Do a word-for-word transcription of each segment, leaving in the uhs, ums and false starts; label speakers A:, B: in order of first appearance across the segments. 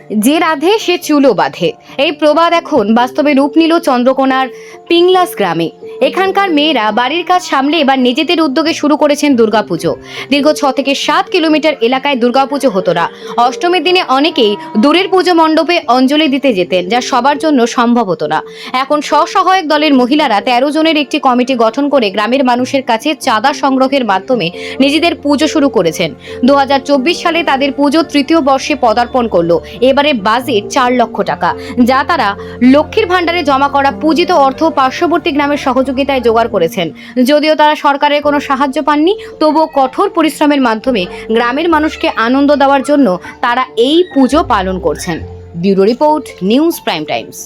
A: যে রাধে সে চুলো বাঁধে, এই প্রবাদ এখন বাস্তবে রূপ নিল চন্দ্রকোনার পিংলাস গ্রামে। এখানকার মেয়েরা বাড়ির কাজ সামলে এবার নিজেদের উদ্যোগে শুরু করেছেন দুর্গাপুজো। দীর্ঘ ছ থেকে সাত কিলোমিটার এলাকায় দুর্গাপুজো হতো না। অষ্টমীর দিনে অনেকেই দূরের পুজো মণ্ডপে অঞ্জলি দিতে যেতেন, যা সবার জন্য সম্ভব হতো না। এখন স্বসহায়ক দলের মহিলারা তেরো জনের একটি কমিটি গঠন করে গ্রামের মানুষের কাছে চাঁদা সংগ্রহের মাধ্যমে নিজেদের পুজো শুরু করেছেন। দু হাজার চব্বিশ সালে তাদের পুজো তৃতীয় বর্ষে পদার্পণ করলো। এবারে বাজেট চার লক্ষ টাকা, যা তারা লক্ষ্মীর ভাণ্ডারে জমা করা পূজিত অর্থ পার্শ্ববর্তী গ্রামের সহযোগিতায় জোগাড় করেছেন। যদিও তারা সরকারের কোনো সাহায্য পাননি, তবুও কঠোর পরিশ্রমের মাধ্যমে গ্রামের মানুষকে আনন্দ দেওয়ার জন্য তারা এই পুজো পালন করছেন। Bureau report, news prime times.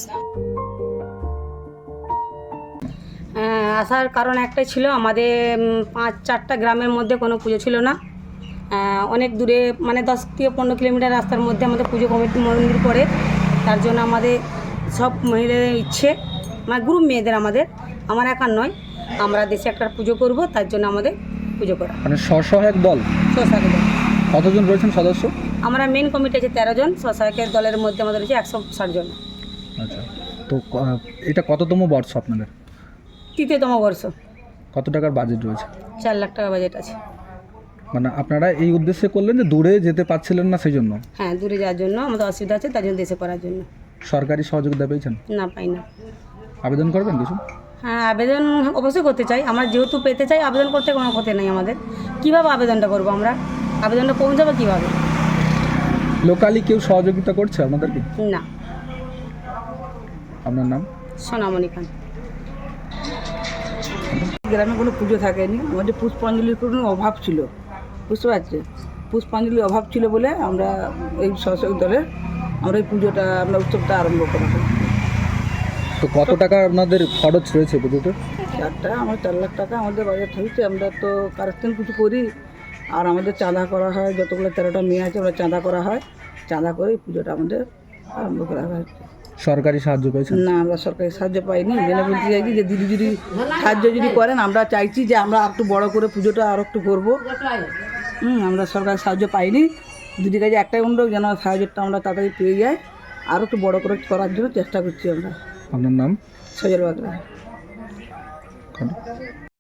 B: আসার কারণ একটাই ছিল, আমাদের পাঁচ চারটা গ্রামের মধ্যে কোনো পুজো ছিল না। অনেক দূরে, মানে দশ থেকে পনেরো কিলোমিটার রাস্তার মধ্যে আমাদের পুজো কমিটি মন্দির পড়ে। তার জন্য আমাদের সব মহিলাদের ইচ্ছে, মানে গ্রুপ মেয়েদের, আমাদের আমার একার নয়, আমরা দেশে একটা পুজো করব, তার জন্য আমাদের পুজো করা।
C: মানে স্বসহায়ক দল
B: স্বসহায়ক দল
C: কতজন রয়েছেন সদস্য?
B: আমরা মেন কমিটি আছে তেরো জন, স্বসহায়কের দলের মধ্যে আমাদের হচ্ছে একশো ষাট জন।
C: আচ্ছা, তো এটা কততম বর্ষ আপনাদের?
B: তৃতীয়তম বর্ষ।
C: কত টাকার বাজেট রয়েছে?
B: চার লাখ টাকা বাজেট আছে।
C: মানে আপনারা এই উদ্দেশ্যে করলেন যে দূরে যেতে পারছিলেন না, সেই জন্য?
B: হ্যাঁ, দূরে যাওয়ার জন্য আমাদের অসুবিধা আছে, তার জন্য দেশে করার জন্য।
C: সরকারি সহযোগিতা পেয়েছেন?
B: না, পাই না।
C: আবেদন করবেন কিছু?
B: হ্যাঁ, আবেদন অবশ্যই করতে চাই। আমরা যেহেতু পেতে চাই, আবেদন করতে কোনো ক্ষতি নেই আমাদের। কীভাবে আবেদনটা করবো আমরা? আবেদনটা পৌঁছাবো কীভাবে?
C: লোকালি কেউ সহযোগিতা করছে আপনাদেরকে?
B: না।
C: আপনার নাম?
B: সোনামণি খান।
D: গ্রামে কোনো পুজো থাকেনি, আমাদের পুষ্পাঞ্জলির কোনো অভাব ছিল, বুঝতে পারছি। পুষ্পাঞ্জলির অভাব ছিল বলে আমরা এই স্বসহায়ক দলের আমরা এই পুজোটা, আমরা উৎসবটা আরম্ভ করা হয়।
C: তো কত টাকা আপনাদের খরচ রয়েছে পুজোতে?
D: চারটা আমার চার লাখ টাকা আমাদের বাজেট হয়েছে। আমরা তো কারেকশন কিছু করি, আর আমাদের চাঁদা করা হয়, যতগুলো তেরোটা মেয়ে আছে আমরা চাঁদা করা হয়, চাঁদা করে এই পুজোটা আমাদের আরম্ভ করা হয়।
C: সরকারি সাহায্য পেয়েছেন?
D: না, আমরা সরকারি সাহায্য পাইনি। জেনে বলতে চাইছি যে দিদি যদি সাহায্য যদি করেন, আমরা চাইছি যে আমরা একটু বড় করে পুজোটা আর একটু করবো। হুম, আমরা সরকারি সাহায্য পাইনি। দিদির কাছে একটাই অনুরোধ, যেন সাহায্যটা আমরা তাড়াতাড়ি পেয়ে যাই, আর একটু বড় করে করার জন্য চেষ্টা করছি আমরা।
C: আপনার নাম?
D: সজল বাগলা।